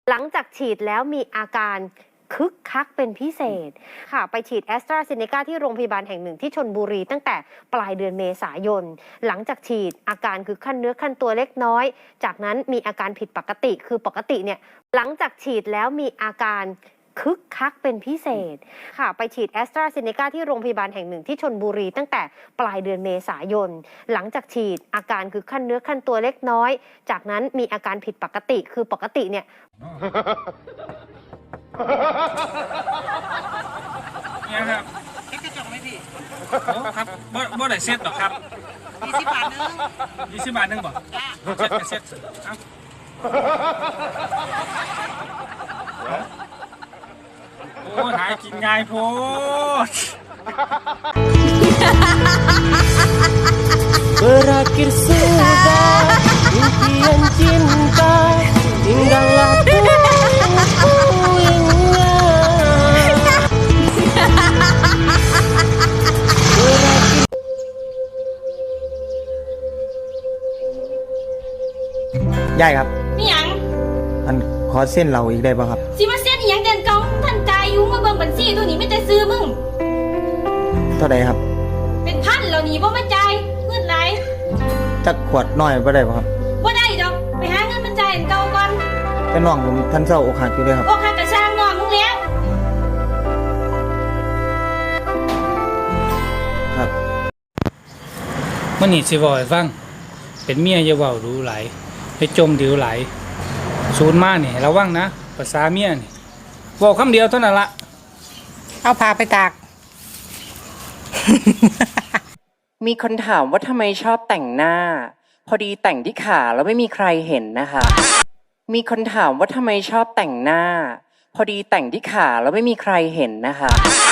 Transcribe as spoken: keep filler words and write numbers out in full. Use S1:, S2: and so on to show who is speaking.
S1: หลังจากฉีดแล้วมีอาการคึกคักเป็นพิเศษค่ะไปฉีดแอสตราเซเนกาที่โรงพยาบาลแห่งหนึ่งที่ชลบุรีตั้งแต่ปลายเดือนเมษายนหลังจากฉีดอาการคือขั้นเนื้อขั้นตัวเล็กน้อยจากนั้นมีอาการผิดปกติคือปกติเนี่ยหลังจากฉีดแล้วมีอาการคึกคักเป็นพิเศษค่ะไปฉีดแอสตราเซเนกาที่โรงพยาบาลแห่งหนึ่งที่ชลบุรีตั้งแต่ปลายเดือนเมษายนหลังจากฉีดอาการคือขั้นเนื้อขั้นตัวเล็กน้อยจากนั้นมีอาการผิดปกติคือปกติเนี่ย
S2: เนี่ยครับเซ็ตกระจกไหมพี่โอ้ครับบ่บ่ได้เซ็ตหรอกครับยี่สิบบาทนึงยี่สิบบาทนึงบ่เซ็ตเซ็ตเอ้าโอ้หายกินง่ายโพด
S3: Berakhir sudah impian cinta tinggallah puing-puingnya.
S4: ยายครับ
S5: มีหยัง
S4: อันขอเส้นเราอีกได้ป่ะครับ
S5: สิมาเซ็นอีหยังเดือนเก่าท่านจ่ายอยู่มาเบิ่งบัญชีตัวนี้ไม่แต่ซื้อมึง
S4: เท่าใดครับ
S5: เป็นพันแล้วนี่บ่มาจ่ายเงินไหล
S4: จักขวดน้อยบ่ได้ป่ะครับ
S5: บ่ได้ดอกไปหาเงินมาจ่ายอันเก่าก่อน
S4: แต่น้องผมท่านเศร้าอกหักอยู่เลยครับ
S5: โอ้ค่ากระช่างน้องมึงแล้ว
S4: ครับ
S2: มันนี่สิเว้าให้ฟังเป็นเมียอย่าเว้ารู้หลายให้จมดิวหลายศูนย์มานี่ระวังนะภาษาเมียนี่เว้าคำเดียวเท่านั้นละ
S6: เอาพาไปตาก
S3: มีคนถามว่าทำไมชอบแต่งหน้า พอดีแต่งที่ขาแล้วไม่มีใครเห็นนะคะ มีคนถามว่าทำไมชอบแต่งหน้า พอดีแต่งที่ขาแล้วไม่มีใครเห็นนะคะ